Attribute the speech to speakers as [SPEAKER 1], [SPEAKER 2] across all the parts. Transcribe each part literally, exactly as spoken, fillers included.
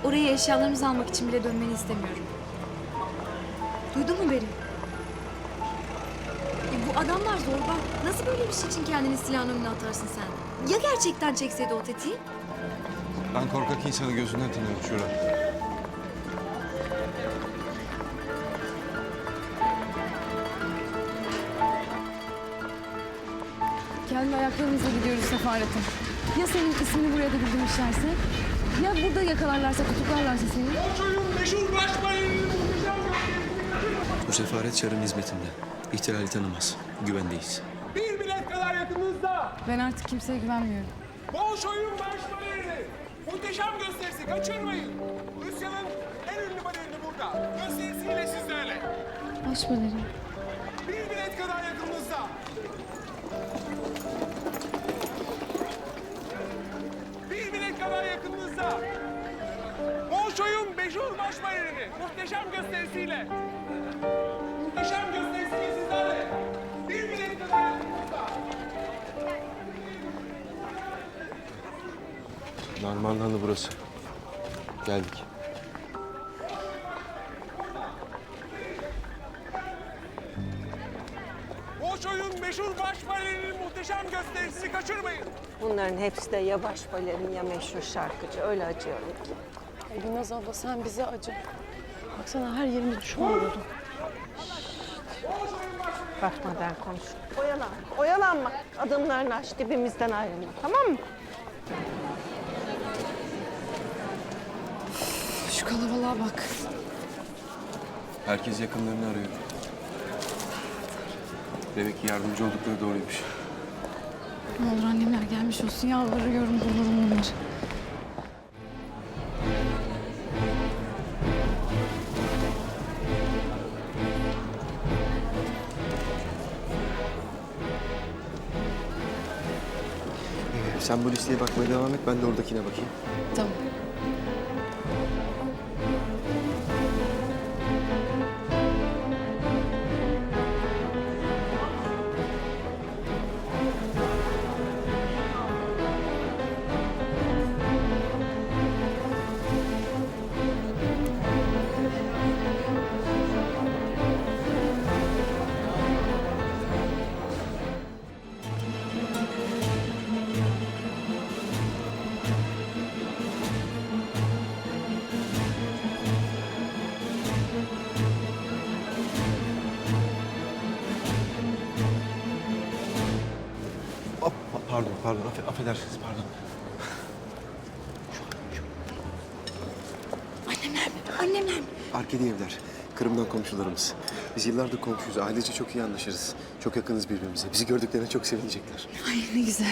[SPEAKER 1] oraya eşyalarımızı almak için bile dönmeni istemiyorum. Duydun mu beni? E, bu adamlar zorba. Nasıl böyle bir şey için kendini silahın önüne atarsın sen? Ya gerçekten çekseydi o tetiği?
[SPEAKER 2] Ben korkak insanı gözünden tanıyorum Şura.
[SPEAKER 3] Kendi ayaklarımızla gidiyoruz Sefaret'e. Ya senin ismini buraya da bildirmişlerse? Ya burada yakalarlarsa, tutuklarlarsa seni?
[SPEAKER 4] Bu sefaret Çar'ın hizmetinde. İhtilali tanımaz. Güvendeyiz.
[SPEAKER 5] Bir bilet kadar yakınınızda.
[SPEAKER 3] Ben artık kimseye güvenmiyorum.
[SPEAKER 5] Bolşoy'un marş balerini. Muhteşem gösterisi, kaçırmayın. Rusya'nın en ünlü balerini burada. Gösterisiyle sizlerle.
[SPEAKER 3] Baş balerin.
[SPEAKER 5] Bir bilet kadar yakınınızda. Bir bilet kadar yakınınızda. Bolşoy'un meşhur marş balerini. Muhteşem gösterisiyle. Muhteşem gösterisiyle sizlerle. Bir bilet kadar yakınınızda.
[SPEAKER 2] Narmanlandı burası. Geldik.
[SPEAKER 5] Bolşoy'un meşhur baş balerinin muhteşem gösterisini kaçırmayın.
[SPEAKER 6] Bunların hepsi de ya baş balerin ya meşhur şarkıcı. Öyle acıyorum ki.
[SPEAKER 3] Gülnaz abla sen bize acı. Baksana her yerinde düşman oldu.
[SPEAKER 6] Bakmadan konuş. Oyalanma, oyalanma. Adımlarını aç, dibimizden ayrılma. Tamam mı?
[SPEAKER 3] Şu kalabalığa bak.
[SPEAKER 2] Herkes yakınlarını arıyor. Demek ki yardımcı oldukları doğruymuş.
[SPEAKER 3] Ne olur annemler gelmiş olsun. Yalvarıyorum bulurum onları.
[SPEAKER 4] Ee, sen bu listeye bakmaya devam et. Ben de oradakine bakayım.
[SPEAKER 3] Tamam.
[SPEAKER 4] Hop, pardon, pardon. Affe, affedersiniz, pardon.
[SPEAKER 1] Annemler mi? Annemler mi?
[SPEAKER 4] Arkedi evler. Kırım'dan komşularımız. Biz yıllardır komşuyuz. Ailece çok iyi anlaşırız. Çok yakınız birbirimize. Bizi gördüklerine çok sevinecekler.
[SPEAKER 3] Ay ne güzel.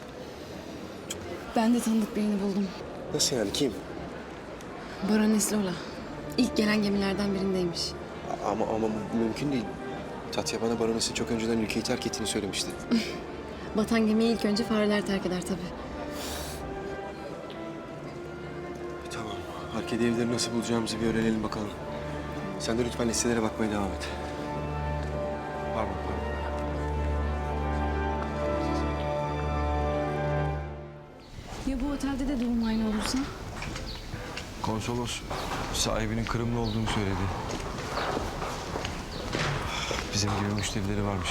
[SPEAKER 3] Ben de tanıdık birini buldum.
[SPEAKER 4] Nasıl yani? Kim?
[SPEAKER 3] Barones Lola. İlk gelen gemilerden birindeymiş.
[SPEAKER 4] Ama ama bu mümkün değil. Tatya bana baronesin çok önceden ülkeyi terk ettiğini söylemişti.
[SPEAKER 3] Batan gemiyi ilk önce fareler terk eder tabii.
[SPEAKER 4] Tamam. Arkedi evleri nasıl bulacağımızı bir öğrenelim bakalım. Sen de lütfen listelere bakmaya devam et. Pardon, pardon.
[SPEAKER 3] Ya bu otelde de durum aynı olursa?
[SPEAKER 2] Konsolos sahibinin Kırımlı olduğunu söyledi. Bizim gibi müşterileri varmış.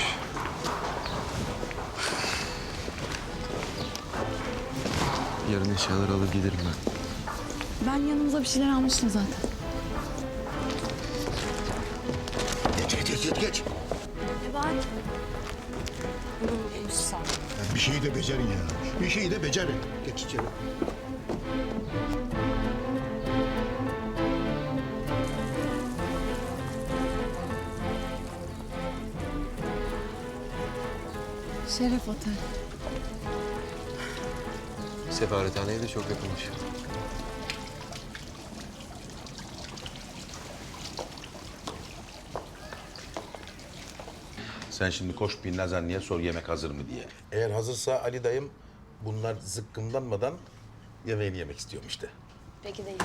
[SPEAKER 2] Yarın eşyaları alır giderim ben.
[SPEAKER 3] Ben yanımıza bir şeyler almıştım zaten.
[SPEAKER 7] Geç, geç, geç, geç.
[SPEAKER 1] Nebahat.
[SPEAKER 7] Ya bir şeyi de becerin ya. Bir şeyi de becerin. Geç içeri.
[SPEAKER 3] Şeref Otel.
[SPEAKER 4] Sefarethaneye de çok yakınmış.
[SPEAKER 8] Sen şimdi koş bir Nazanlı'ya sor yemek hazır mı diye. Eğer hazırsa Ali dayım bunlar zıkkımlanmadan yemeğini yemek istiyorum işte.
[SPEAKER 1] Peki değil.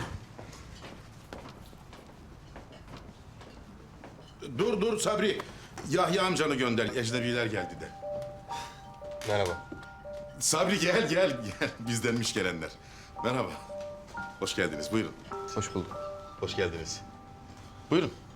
[SPEAKER 8] Dur dur Sabri. Yahya amcanı gönder. Ecnebiler geldi de.
[SPEAKER 4] Merhaba.
[SPEAKER 8] Sabri gel gel gel. Bizdenmiş gelenler. Merhaba. Hoş geldiniz. Buyurun.
[SPEAKER 4] Hoş bulduk.
[SPEAKER 8] Hoş geldiniz. Buyurun.